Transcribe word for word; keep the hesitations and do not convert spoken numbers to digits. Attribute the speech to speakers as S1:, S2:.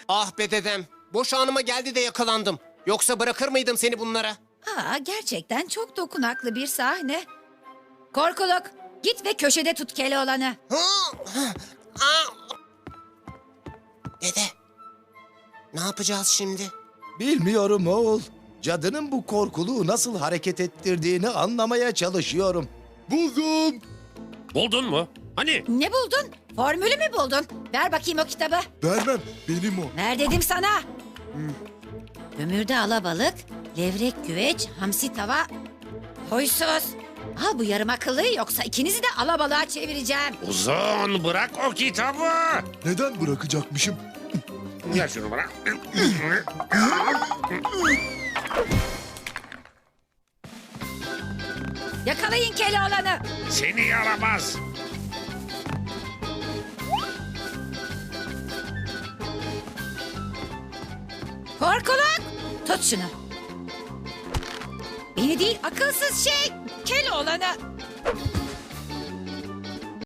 S1: Ah be dedem. Boş anıma geldi de yakalandım. Yoksa bırakır mıydım seni bunlara?
S2: Aa, gerçekten çok dokunaklı bir sahne. Korkuluk, git ve köşede tut Keloğlan'ı.
S1: Hı, hı, aa! Dede. Ne yapacağız şimdi?
S3: Bilmiyorum oğul. Cadının bu korkuluğu nasıl hareket ettirdiğini anlamaya çalışıyorum.
S4: Buldum.
S5: Buldun mu? Hani?
S2: Ne buldun? Formülü mü buldun? Ver bakayım o kitabı.
S4: Vermem. Benim o.
S2: Ver dedim sana. Hmm. Kömürde alabalık, levrek güveç, hamsi tava. Huysuz. Al bu yarım akıllı, yoksa ikinizi de alabalığa çevireceğim.
S5: Uzun, bırak o kitabı.
S4: Neden bırakacakmışım?
S5: Ya şunu bırak.
S2: Yakalayın Keloğlan'ı.
S5: Seni yaramaz.
S2: Korkuluk, tut şunu. Beni değil, akılsız şey, Keloğlan'ı.